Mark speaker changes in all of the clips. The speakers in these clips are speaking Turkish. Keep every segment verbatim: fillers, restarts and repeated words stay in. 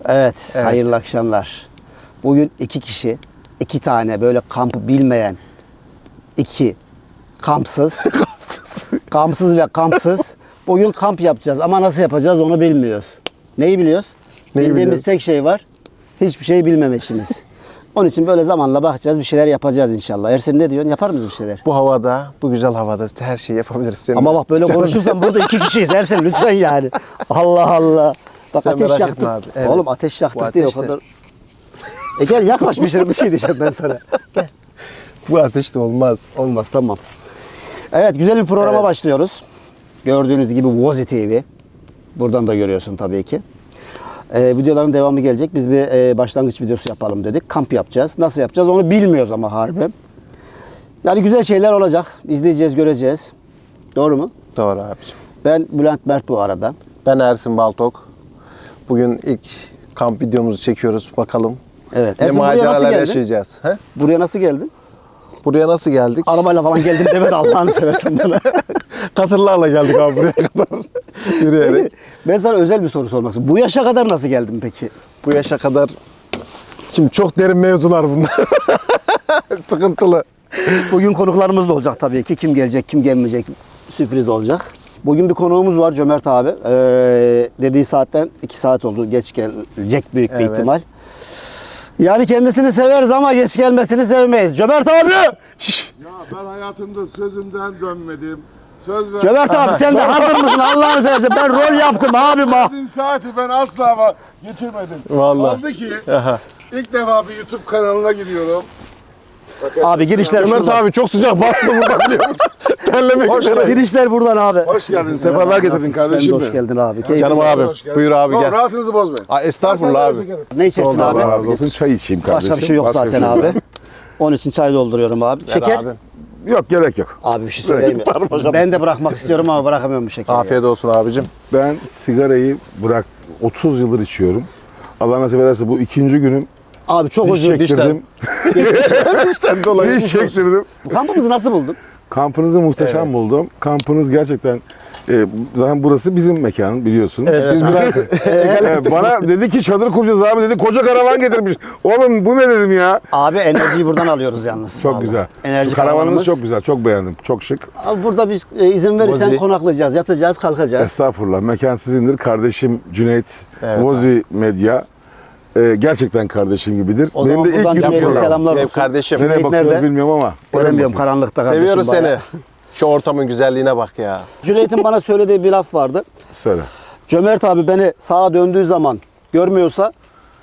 Speaker 1: Evet,
Speaker 2: Evet.
Speaker 1: hayırlı akşamlar. Bugün iki kişi, iki tane böyle kampı bilmeyen, iki kampsız, kampsız ve kampsız. Bugün kamp yapacağız ama nasıl yapacağız onu bilmiyoruz. Neyi biliyoruz?
Speaker 2: Neyi
Speaker 1: Bildiğimiz
Speaker 2: biliyoruz?
Speaker 1: tek şey var, hiçbir şey bilmemişimiz. Onun için böyle zamanla bakacağız, bir şeyler yapacağız inşallah. Ersin ne diyorsun? Yapar mıyız bir şeyler?
Speaker 2: Bu havada, bu güzel havada her şeyi yapabiliriz. Senin
Speaker 1: Ama bak böyle konuşursan burada iki kişiyiz Ersin lütfen yani. Allah Allah. Bak
Speaker 2: Sen
Speaker 1: ateş
Speaker 2: merak
Speaker 1: yaktık.
Speaker 2: etme abi, evet.
Speaker 1: Oğlum ateş yaktık
Speaker 2: Bu
Speaker 1: diye o
Speaker 2: ateşte-
Speaker 1: kadar. E gel yaklaş bir şey, bir şey diyeceğim ben sana. Gel.
Speaker 2: Bu ateş de olmaz.
Speaker 1: Olmaz tamam. Evet güzel bir programa
Speaker 2: Evet.
Speaker 1: başlıyoruz. Gördüğünüz gibi Vozi T V. Buradan da görüyorsun tabii ki. Ee, videoların devamı gelecek. Biz bir e, başlangıç videosu yapalım dedik. Kamp yapacağız. Nasıl yapacağız onu bilmiyoruz ama harbi. Yani güzel şeyler olacak. İzleyeceğiz, göreceğiz. Doğru mu?
Speaker 2: Doğru abiciğim.
Speaker 1: Ben Bülent Mert bu aradan.
Speaker 2: Ben Ersin Baltok. Bugün ilk kamp videomuzu çekiyoruz. Bakalım
Speaker 1: Evet.
Speaker 2: ne
Speaker 1: Ersin buraya nasıl
Speaker 2: maceralar
Speaker 1: geldin?
Speaker 2: yaşayacağız. He?
Speaker 1: Buraya nasıl geldin?
Speaker 2: Buraya nasıl geldik?
Speaker 1: Arabayla falan geldim deme de Allah'ını seversen bana.
Speaker 2: Katırlarla geldik abi buraya kadar. Yürüyerek.
Speaker 1: Ben sana özel bir soru sormak istiyorum. Bu yaşa kadar nasıl geldin peki?
Speaker 2: Bu yaşa kadar şimdi çok derin mevzular bunlar. Sıkıntılı.
Speaker 1: Bugün konuklarımız da olacak tabii ki. Kim gelecek, kim gelmeyecek sürpriz olacak. Bugün bir konuğumuz var Cömert abi. Ee, dediği saatten iki saat oldu. Geç gelecek büyük bir
Speaker 2: Evet.
Speaker 1: ihtimal. Yani kendisini severiz ama geç gelmesini sevmeyiz. Cömert abi! Şşş!
Speaker 3: Ya ben hayatımda sözümden dönmedim. Söz ver.
Speaker 1: Cömert abi sen de hazır mısın? Allah'ını seversen ben rol yaptım abi bak.
Speaker 3: Verdiğim saati ben asla ama geçirmedim.
Speaker 2: Vallahi.
Speaker 3: Kaldı ki
Speaker 2: Aha.
Speaker 3: ilk defa bir YouTube kanalına giriyorum. Bakın,
Speaker 1: Abi girişler
Speaker 2: Ömer
Speaker 1: şuradan.
Speaker 2: abi çok sıcak bastı burada biliyor musun? Terlemek
Speaker 3: Hoş
Speaker 2: üzere.
Speaker 1: Girişler buradan abi.
Speaker 3: Hoş geldin. Sefalar getirdin
Speaker 1: Nasılsın?
Speaker 3: kardeşim.
Speaker 1: Sen de hoş
Speaker 3: benim.
Speaker 1: geldin abi. Keyifli.
Speaker 2: Canım abi.
Speaker 3: Hoş geldin.
Speaker 2: Buyur abi
Speaker 3: Yok,
Speaker 2: gel.
Speaker 3: rahatınızı bozmayın.
Speaker 2: Aa, estağfurullah
Speaker 3: Ben
Speaker 2: abi.
Speaker 3: sana
Speaker 1: Ne içersin
Speaker 2: Oldu
Speaker 1: abi?
Speaker 3: Allah razı olsun. Çay içeyim kardeşim.
Speaker 1: Başka bir şey yok
Speaker 3: Başka
Speaker 1: zaten
Speaker 3: bir şey yok.
Speaker 1: abi. Onun için çay dolduruyorum abi. Şeker?
Speaker 2: Abi.
Speaker 3: Yok gerek yok.
Speaker 1: Abi bir şey söyleyeyim mi? Ben de bırakmak istiyorum ama bırakamıyorum bu şekeri.
Speaker 2: Afiyet olsun abicim.
Speaker 3: Ben sigarayı bırak otuz yıldır içiyorum. Allah nasip ederse bu ikinci günüm.
Speaker 1: Abi çok
Speaker 3: Diş
Speaker 1: özür dilerim.
Speaker 3: çektirdim.
Speaker 2: İşten dolayı.
Speaker 3: Diş çektirdim.
Speaker 1: Kampımızı nasıl buldun?
Speaker 3: Kampınızı muhteşem buldum. Kampınız gerçekten e, zaten burası bizim mekan biliyorsunuz.
Speaker 2: Biz biraz
Speaker 3: E, bana dedi ki çadır kuracağız abi dedi. Koca karavan getirmiş. Oğlum bu ne dedim ya?
Speaker 1: Abi enerjiyi buradan alıyoruz yalnız.
Speaker 3: Çok
Speaker 1: Vallahi.
Speaker 3: güzel.
Speaker 1: Enerji
Speaker 3: Karavanınız
Speaker 1: karavanımız.
Speaker 3: çok güzel. Çok beğendim. Çok şık.
Speaker 1: Abi burada biz e, izin verirsen
Speaker 2: Vozi.
Speaker 1: konaklayacağız, yatacağız, kalkacağız.
Speaker 3: Estağfurullah. Mekan sizindir. Kardeşim Cüneyt
Speaker 2: Evet,
Speaker 3: Vozi Medya. e, gerçekten kardeşim gibidir.
Speaker 1: O
Speaker 3: Benim
Speaker 1: zaman
Speaker 3: de ilk
Speaker 1: buradan
Speaker 3: YouTube
Speaker 1: Cüneyt'e
Speaker 3: programım.
Speaker 1: selamlar
Speaker 2: Benim
Speaker 1: olsun.
Speaker 2: kardeşim.
Speaker 1: Cüneyt
Speaker 3: Nereye bakıyoruz
Speaker 1: nerede?
Speaker 3: bilmiyorum ama.
Speaker 1: Göremiyorum karanlıkta kardeşim.
Speaker 2: Seviyoruz
Speaker 1: bayağı.
Speaker 2: seni. Şu ortamın güzelliğine bak ya.
Speaker 1: Cüneyt'in bana söylediği bir laf vardı.
Speaker 3: Söyle.
Speaker 1: Cömert abi beni sağa döndüğü zaman görmüyorsa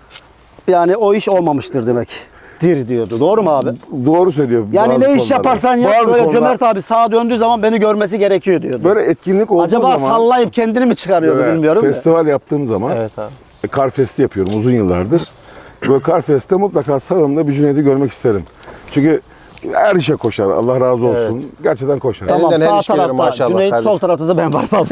Speaker 1: yani o iş olmamıştır demek. Dir diyordu. Doğru mu abi?
Speaker 3: Doğru söylüyor.
Speaker 1: Yani
Speaker 3: bazı
Speaker 1: ne iş
Speaker 3: konularda.
Speaker 1: yaparsan yap
Speaker 3: Bazı
Speaker 1: böyle
Speaker 3: konular-
Speaker 1: Cömert abi sağa döndüğü zaman beni görmesi gerekiyor diyordu.
Speaker 3: Böyle etkinlik olduğu
Speaker 1: Acaba
Speaker 3: zaman.
Speaker 1: sallayıp kendini mi çıkarıyordu
Speaker 3: böyle
Speaker 1: bilmiyorum. da.
Speaker 3: Festival yaptığım zaman.
Speaker 2: Evet abi.
Speaker 3: Karfest'i yapıyorum uzun yıllardır. Böyle Karfest'te mutlaka sağımda bir Cüneyt'i görmek isterim. Çünkü her işe koşar. Allah razı olsun. Gerçekten koşar.
Speaker 1: Tamam
Speaker 2: Elinden her
Speaker 1: sağ
Speaker 2: iş gelir
Speaker 1: tarafta
Speaker 2: maşallah
Speaker 1: Cüneyt,
Speaker 2: kardeşim.
Speaker 1: sol tarafta da ben varım abi.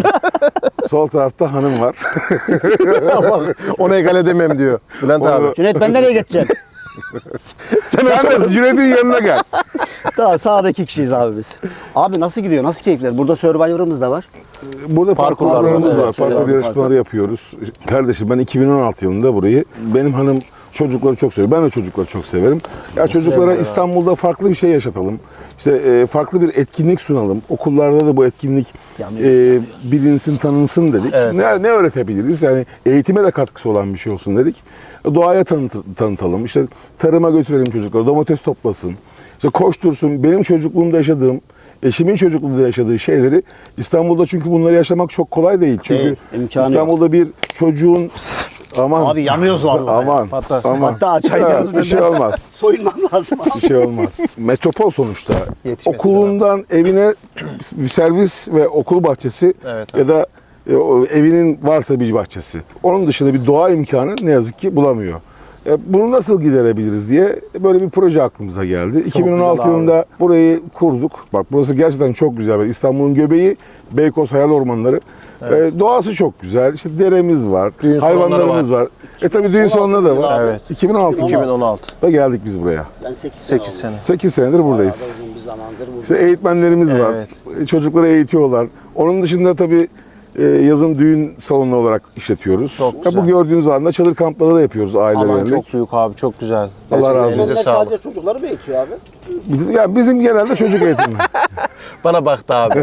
Speaker 3: Sol tarafta hanım var.
Speaker 2: Ama onu egal edemem diyor Bülent
Speaker 3: Onu-
Speaker 2: abi.
Speaker 1: Cüneyt ben nereye geçeceğim?
Speaker 2: Sen
Speaker 3: Sen de Cüneyt'in yanına gel.
Speaker 1: Tamam sağdaki kişiyiz abi biz. Abi nasıl gidiyor? Nasıl keyifler? Burada Survivor'ımız da var.
Speaker 3: Burada
Speaker 2: Parkurlar
Speaker 3: parkurlarımız
Speaker 2: var,
Speaker 3: var.
Speaker 2: evet,
Speaker 3: Parkur
Speaker 1: söyle abi,
Speaker 3: yarışmaları yapıyoruz. Kardeşim ben iki bin on altı yılında burayı, benim hanım çocukları çok seviyor. Ben de çocukları çok severim. Ya çocuklara İstanbul'da farklı bir şey yaşatalım. İşte e, farklı bir etkinlik sunalım. Okullarda da bu etkinlik e, bilinsin, tanınsın dedik. Ne, ne öğretebiliriz? Yani eğitime de katkısı olan bir şey olsun dedik. Doğaya tanıt- tanıtalım. İşte tarıma götürelim çocukları. Domates toplasın. İşte koştursun. Benim çocukluğumda yaşadığım, eşimin çocukluğunda yaşadığı şeyleri İstanbul'da, çünkü bunları yaşamak çok kolay değil. Çünkü
Speaker 1: Değil, imkanı
Speaker 3: İstanbul'da bir çocuğun aman
Speaker 1: Abi yanıyoruz vallahi.
Speaker 3: aman
Speaker 2: Patlar.
Speaker 3: aman
Speaker 1: Hatta çay
Speaker 3: Ha,
Speaker 1: yanıyoruz
Speaker 3: bir şey
Speaker 1: ben.
Speaker 3: olmaz.
Speaker 1: Soyunmam lazım abi.
Speaker 3: Bir şey olmaz. Metropol sonuçta.
Speaker 2: Yetişmesi
Speaker 3: Okulundan evine bir servis ve okul bahçesi
Speaker 2: Evet,
Speaker 3: ya da e, o evinin varsa bir bahçesi. Onun dışında bir doğa imkanı ne yazık ki bulamıyor. E, Bunu nasıl giderebiliriz diye böyle bir proje aklımıza geldi. iki bin on altı
Speaker 2: güzel abi.
Speaker 3: yılında burayı kurduk. Bak burası gerçekten çok güzel. İstanbul'un göbeği, Beykoz Hayal Ormanları. E, doğası çok güzel. İşte deremiz var,
Speaker 2: Düğün salonları
Speaker 3: hayvanlarımız var. E tabii düğün salonları da var.
Speaker 2: Evet.
Speaker 3: iki bin on altı
Speaker 2: iki bin on altı.
Speaker 3: da geldik biz buraya.
Speaker 1: Ben sekiz sene
Speaker 2: sekiz
Speaker 1: oldu.
Speaker 2: sene.
Speaker 3: sekiz senedir buradayız.
Speaker 1: Uzun bir zamandır bu.
Speaker 3: İşte eğitmenlerimiz var.
Speaker 2: Evet.
Speaker 3: Çocukları eğitiyorlar. Onun dışında tabii e, yazın düğün salonu olarak işletiyoruz.
Speaker 2: Çok
Speaker 3: Ya
Speaker 2: güzel.
Speaker 3: bu gördüğünüz alanda çadır kampları da yapıyoruz
Speaker 2: Alan
Speaker 3: ailelerle.
Speaker 2: çok büyük abi, çok güzel.
Speaker 3: Allah
Speaker 2: Gerçekten
Speaker 3: razı olsun.
Speaker 2: elinize
Speaker 1: Onlar
Speaker 2: sağlık.
Speaker 1: sadece çocukları mı eğitiyor abi?
Speaker 3: Biz- Ya bizim genelde çocuk eğitimi.
Speaker 2: Bana baktı abi.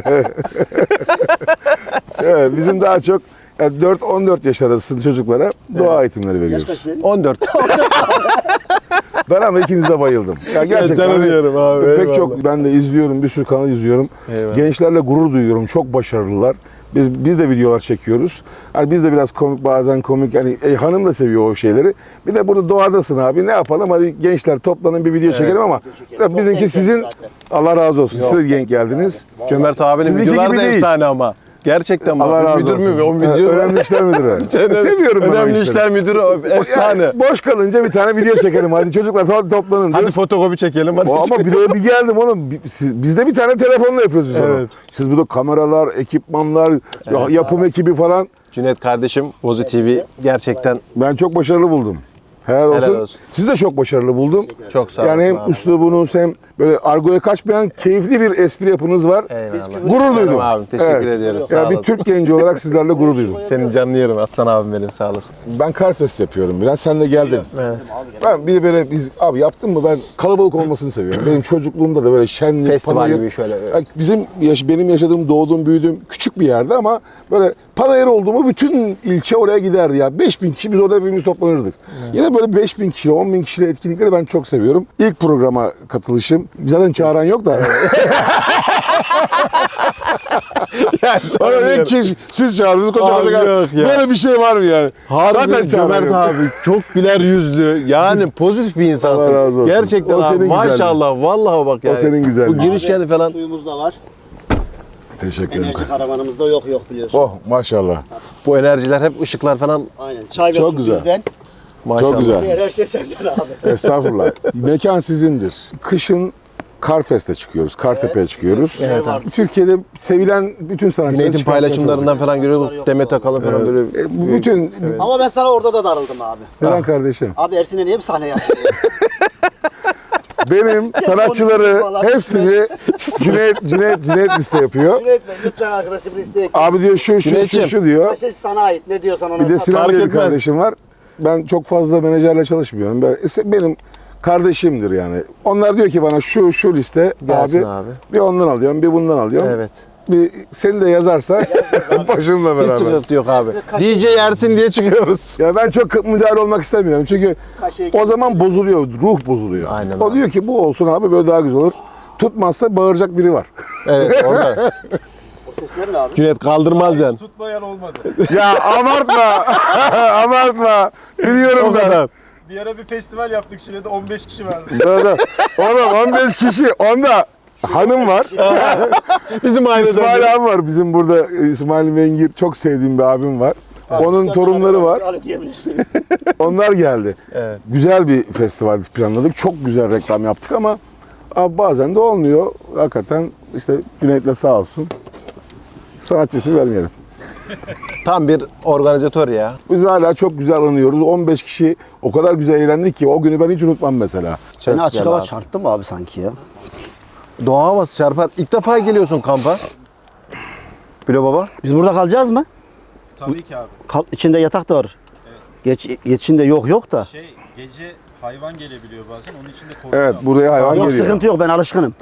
Speaker 3: Evet, bizim daha çok yani dört on dört yaş arası çocuklara doğa eğitimleri
Speaker 1: Yaş kaç
Speaker 3: veriyoruz.
Speaker 1: senin?
Speaker 2: on dört.
Speaker 3: Ben ama ikinize bayıldım. Ya gerçekten
Speaker 2: canım
Speaker 3: hani
Speaker 2: yerim abi,
Speaker 3: pek
Speaker 2: eyvallah.
Speaker 3: çok ben de izliyorum, bir sürü kanal izliyorum.
Speaker 2: Eyvallah.
Speaker 3: Gençlerle gurur duyuyorum. Çok başarılılar. Biz biz de videolar çekiyoruz. Hani biz de biraz komik, bazen komik, hani e, hanım da seviyor o şeyleri. Bir de burada doğadasın abi. Ne yapalım? Hadi gençler toplanın bir video çekelim ama tabii
Speaker 1: Çok
Speaker 3: bizimki
Speaker 1: denk
Speaker 3: sizin
Speaker 1: geldi zaten.
Speaker 3: Allah razı olsun. Siz de denk geldiniz.
Speaker 2: Cömert abinin
Speaker 3: Sizinki
Speaker 2: videoları
Speaker 3: gibi
Speaker 2: da
Speaker 3: değil.
Speaker 2: efsane ama. Gerçekten bak.
Speaker 3: Allah razı
Speaker 2: Müdür
Speaker 3: olsun.
Speaker 2: mü? O
Speaker 3: Evet,
Speaker 2: video.
Speaker 3: önemli işler müdürü.
Speaker 2: Önemli-
Speaker 3: Seviyorum ben o
Speaker 2: Önemli
Speaker 3: işleri.
Speaker 2: işler müdürü o efsane.
Speaker 3: Yani boş kalınca bir tane video çekelim. Hadi çocuklar to- toplanın
Speaker 2: Hadi
Speaker 3: diyoruz.
Speaker 2: fotokopi çekelim. Hadi
Speaker 3: O ama bir de bir geldim oğlum. Bi- Siz, biz de bir tane telefonla yapıyoruz biz onu.
Speaker 2: Evet.
Speaker 3: Siz burada kameralar, ekipmanlar, ya- yapım ekibi falan.
Speaker 2: Cüneyt kardeşim, Vozi T V gerçekten
Speaker 3: Ben çok başarılı buldum. Helal olsun.
Speaker 2: olsun.
Speaker 3: Siz de çok başarılı buldum.
Speaker 2: çok sağ
Speaker 3: Yani hem
Speaker 2: olun abi.
Speaker 3: üslubunuz hem böyle argoya kaçmayan keyifli bir espri yapınız var.
Speaker 2: Eyvallah.
Speaker 3: Gurur duydum.
Speaker 2: Abi, teşekkür ediyoruz. Sağ
Speaker 3: Ya bir
Speaker 2: olasın.
Speaker 3: Türk genci olarak sizlerle gurur duydum.
Speaker 2: Senin canını yerim Aslan abim benim, sağ olasın.
Speaker 3: Ben Carfest yapıyorum biraz. Sen de geldin.
Speaker 2: Evet.
Speaker 3: Ben bir de böyle biz abi yaptın mı ben kalabalık olmasını seviyorum. Benim çocukluğumda da böyle şenlik,
Speaker 2: Festival
Speaker 3: panayır.
Speaker 2: gibi şöyle, evet.
Speaker 3: Ya bizim yaş, benim yaşadığım, doğduğum, büyüdüğüm küçük bir yerde ama böyle panayır oldu mu bütün ilçe oraya giderdi ya. beş bin kişi biz orada hepimiz toplanırdık. Yine böyle beş bin kişi, on bin kişiyle etkinlikleri ben çok seviyorum. İlk programa katılışım. Zaten çağıran yok da.
Speaker 2: Yani
Speaker 3: Sonra ilk kişi siz çağırdınız
Speaker 2: Abi
Speaker 3: kocaman.
Speaker 2: yok ya.
Speaker 3: Böyle bir şey var mı yani?
Speaker 2: Harbi
Speaker 3: Zaten çağıran
Speaker 2: Cömert
Speaker 3: yok.
Speaker 2: abi çok güler yüzlü, yani pozitif bir insansın.
Speaker 3: Allah razı olsun.
Speaker 2: Gerçekten
Speaker 3: O
Speaker 2: abi,
Speaker 3: senin
Speaker 2: maşallah vallahi bak yani.
Speaker 3: senin güzelliğin.
Speaker 2: Bu girişken falan.
Speaker 1: Suyumuz da var.
Speaker 3: Teşekkür ederim.
Speaker 1: Enerji karavanımızda yok yok biliyorsun.
Speaker 3: Oh maşallah.
Speaker 2: Bu enerjiler hep ışıklar falan
Speaker 1: Aynen. Çay ve
Speaker 3: Çok
Speaker 1: su
Speaker 3: güzel.
Speaker 1: bizden.
Speaker 2: maşallah.
Speaker 3: Çok güzel.
Speaker 1: Diğer her şey senden abi.
Speaker 3: Estağfurullah. Mekan sizindir. Kışın Karfest'e çıkıyoruz, Kartepe'ye çıkıyoruz.
Speaker 1: Evet abi.
Speaker 3: Türkiye'de sevilen bütün sanatçıları
Speaker 2: Cüneyt'in
Speaker 3: çıkartmaya
Speaker 2: paylaşımlarından falan görüyorduk. Demet Akalın falan böyle.
Speaker 3: çalışıyoruz. E, bu bütün...
Speaker 1: Ama ben sana orada da darıldım abi.
Speaker 3: Neden kardeşim?
Speaker 1: Abi Ersin'e niye bir sahne yaptın?
Speaker 3: Benim sanatçıları
Speaker 1: falan.
Speaker 3: hepsini Cüneyt, Cüneyt, Cüneyt liste yapıyor.
Speaker 1: Cüneyt Bey lütfen arkadaşım listeye ekle.
Speaker 3: Abi diyor şu, şu, şu,
Speaker 2: Cüneyt'ciğim.
Speaker 3: şu diyor.
Speaker 1: Her şey sana ait. Ne diyorsan ona
Speaker 3: Bir de
Speaker 1: sat.
Speaker 3: Sinan
Speaker 2: Fark
Speaker 3: diye bir
Speaker 2: etmez.
Speaker 3: kardeşim var. Ben çok fazla menajerle çalışmıyorum. Ben, benim kardeşimdir yani. Onlar diyor ki bana şu şu liste
Speaker 2: Gelsin
Speaker 3: abi,
Speaker 2: abi.
Speaker 3: bir ondan alıyorum, bir bundan alıyorum.
Speaker 2: Evet.
Speaker 3: Bir seni de yazarsa başımla
Speaker 2: Hiç
Speaker 3: beraber.
Speaker 2: sıkıntı yok abi.
Speaker 1: Kaç-
Speaker 2: D J Ersin diye çıkıyoruz.
Speaker 3: Ya ben çok müdahale olmak istemiyorum çünkü
Speaker 1: Kaşeyi
Speaker 3: o zaman bozuluyor, ruh bozuluyor.
Speaker 2: Aynen
Speaker 3: o
Speaker 2: abi.
Speaker 3: diyor ki bu olsun abi böyle daha güzel olur. Tutmazsa bağıracak biri var.
Speaker 2: Evet orada.
Speaker 1: O sesler ne abi?
Speaker 2: Cüneyt kaldırmaz yani.
Speaker 4: Tutmayan olmadı.
Speaker 3: Ya abartma, abartma. Biliyorum
Speaker 2: O
Speaker 3: ben.
Speaker 2: kadar.
Speaker 4: Bir ara bir festival yaptık Şile'de on beş kişi vardı.
Speaker 3: Dur, dur. Oğlum on beş kişi, onda hanım var.
Speaker 2: Bizim ailede.
Speaker 3: İsmail abi var. Bizim burada İsmail Mengir çok sevdiğim bir abim var. Onun torunları var.
Speaker 1: Alo diyebilirsin.
Speaker 3: Onlar geldi.
Speaker 2: Evet.
Speaker 3: Güzel bir festival planladık. Çok güzel reklam yaptık ama abi bazen de olmuyor. Hakikaten işte Cüneyt'le sağ olsun. Sanatçısını vermeyelim.
Speaker 2: Tam bir organizatör ya.
Speaker 3: Biz hala çok güzel anıyoruz. on beş kişi o kadar güzel eğlendik ki o günü ben hiç unutmam mesela.
Speaker 2: Çok
Speaker 1: Seni açık
Speaker 2: güzel
Speaker 1: hava
Speaker 2: abi.
Speaker 1: çarptı mı abi sanki ya?
Speaker 2: Doğa havası çarpar. İlk defa geliyorsun kampa. Bilo baba.
Speaker 1: Biz burada kalacağız mı?
Speaker 4: Tabii ki abi.
Speaker 1: Kal içinde yatak da var. Geç, geçinde yok yok da.
Speaker 4: Şey gece hayvan gelebiliyor bazen onun için de korkuyorum.
Speaker 3: Evet buraya hayvan
Speaker 1: Yok
Speaker 3: geliyor.
Speaker 1: sıkıntı yok ben alışkınım.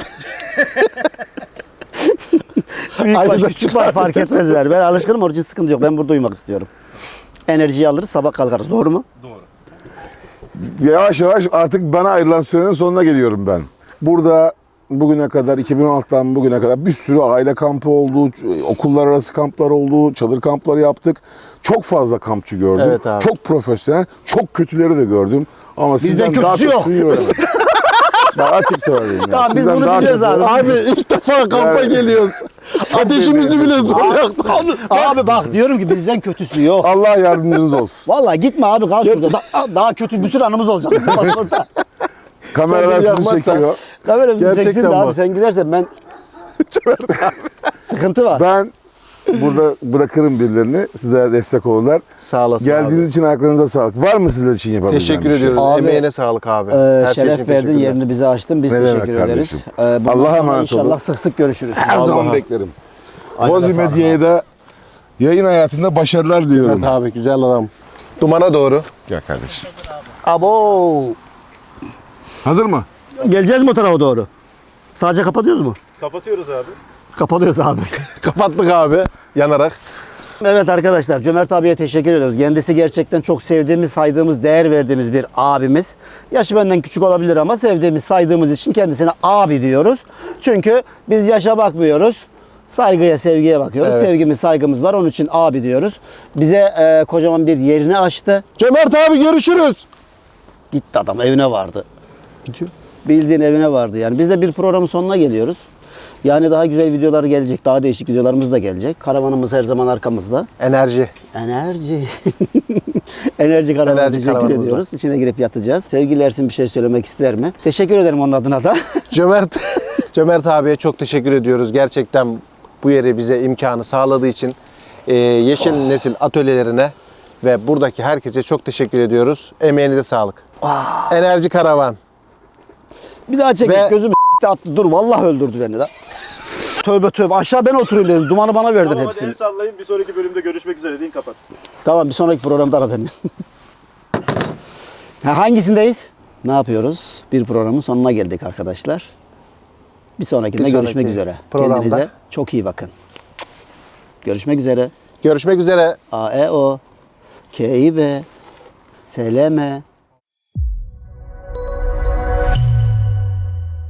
Speaker 1: Büyük var,
Speaker 2: Ayrıca
Speaker 1: küçük var fark etmez yani. Ben alışkınım onun için sıkıntı yok. Ben burada uyumak istiyorum. Enerjiyi alırız sabah kalkarız doğru mu?
Speaker 4: Doğru.
Speaker 3: Yavaş yavaş artık bana ayrılan sürenin sonuna geliyorum ben. Burada bugüne kadar iki bin on altıdan bugüne kadar bir sürü aile kampı oldu, okullar arası kamplar oldu, çadır kampları yaptık. Çok fazla kampçı gördüm.
Speaker 2: Evet abi.
Speaker 3: Çok profesyonel, çok kötüleri de gördüm. Ama
Speaker 1: Bizden
Speaker 3: sizden daha
Speaker 1: kötüsü yok.
Speaker 3: kötüsünü gördüm. Daha açık söyleyeyim. ya.
Speaker 1: Tamam, biz
Speaker 3: Sizden
Speaker 1: bunu
Speaker 3: daha
Speaker 1: biliyoruz
Speaker 3: kötü-
Speaker 1: abi.
Speaker 2: Abi ilk defa kampa
Speaker 3: Yani-
Speaker 2: geliyoruz. Ateşimizi bile zor yaktık.
Speaker 1: Abi bak diyorum ki bizden kötüsü yok.
Speaker 3: Allah yardımcınız olsun.
Speaker 1: Vallahi gitme abi kal şurada. Da- daha kötü bir sürü anımız olacak bizim bak orada.
Speaker 3: Kameralar sizi
Speaker 2: Yapmazsan-
Speaker 3: çekiyor.
Speaker 1: Kamera bizi
Speaker 2: Gerçekten
Speaker 1: çeksin de abi
Speaker 2: bak.
Speaker 1: sen gidersen ben... Sıkıntı var.
Speaker 3: Ben burada bırakırım birilerini. Size destek olurlar.
Speaker 2: Sağ olasın
Speaker 3: Geldiğiniz
Speaker 2: abi.
Speaker 3: için ayaklarınıza sağlık. Var mı sizler için yapabileceğim
Speaker 2: Teşekkür
Speaker 3: bir şey?
Speaker 2: ediyoruz.
Speaker 1: Abi,
Speaker 2: Emeğine sağlık abi.
Speaker 1: Ee,
Speaker 2: Her şey için
Speaker 1: şeref verdin,
Speaker 2: teşekkürler.
Speaker 1: yerini bize açtın. Biz
Speaker 3: Ne demek
Speaker 1: teşekkür ederiz.
Speaker 3: kardeşim.
Speaker 1: Ee, bundan
Speaker 3: Allah'a
Speaker 1: sonra
Speaker 3: emanet
Speaker 1: İnşallah
Speaker 3: olun.
Speaker 1: sık sık görüşürüz.
Speaker 3: Her zaman beklerim.
Speaker 1: Aynen,
Speaker 3: Vozi
Speaker 1: sağ olun.
Speaker 3: Medya'ya da Yayın hayatında başarılar diliyorum.
Speaker 2: Evet abi güzel adam. Dumana doğru.
Speaker 3: Gel kardeşim.
Speaker 1: Abo.
Speaker 3: Hazır mı?
Speaker 1: Geleceğiz mi o tarafa doğru? Sadece kapatıyoruz mu?
Speaker 4: Kapatıyoruz abi.
Speaker 1: Kapatıyoruz abi.
Speaker 2: Kapattık abi yanarak.
Speaker 1: Evet arkadaşlar, Cömert abiye teşekkür ediyoruz. Kendisi gerçekten çok sevdiğimiz, saydığımız, değer verdiğimiz bir abimiz. Yaşı benden küçük olabilir ama sevdiğimiz, saydığımız için kendisine abi diyoruz. Çünkü biz yaşa bakmıyoruz. Saygıya, sevgiye bakıyoruz.
Speaker 2: Evet.
Speaker 1: Sevgimiz, saygımız var. Onun için abi diyoruz. Bize e, kocaman bir yerini açtı.
Speaker 2: Cömert abi görüşürüz.
Speaker 1: Gitti adam, evine vardı.
Speaker 2: Gidiyor.
Speaker 1: Bildiğin evine vardı yani. Biz de bir programın sonuna geliyoruz. Yani daha güzel videolar gelecek, daha değişik videolarımız da gelecek. Karavanımız her zaman arkamızda.
Speaker 2: Enerji.
Speaker 1: Enerji. Enerji karavanı
Speaker 2: Enerji
Speaker 1: teşekkür
Speaker 2: karavanımızda.
Speaker 1: ediyoruz. İçine girip yatacağız. Sevgili Ersin bir şey söylemek ister mi? Teşekkür ederim onun adına da.
Speaker 2: Cömert Cömert abiye çok teşekkür ediyoruz. Gerçekten bu yeri bize imkanı sağladığı için e, Yeşil Nesil atölyelerine ve buradaki herkese çok teşekkür ediyoruz. Emeğinize sağlık. Enerji karavan.
Speaker 1: Bir daha çek.
Speaker 2: Ve-
Speaker 1: Gözümü s**ti attı. Dur vallahi öldürdü beni de. Tövbe tövbe. Aşağı ben oturayım dedim. Dumanı bana verdin
Speaker 4: Tamam hadi
Speaker 1: hepsini.
Speaker 4: el sallayın. Bir sonraki bölümde görüşmek üzere deyin, kapat.
Speaker 1: Tamam, bir sonraki programda ara beni. Ha, hangisindeyiz? Ne yapıyoruz? Bir programın sonuna geldik arkadaşlar. Bir sonrakinde
Speaker 2: Bir sonraki
Speaker 1: görüşmek üzere.
Speaker 2: programda.
Speaker 1: Kendinize çok iyi bakın. Görüşmek üzere.
Speaker 2: Görüşmek üzere.
Speaker 1: A E O K İ B S L M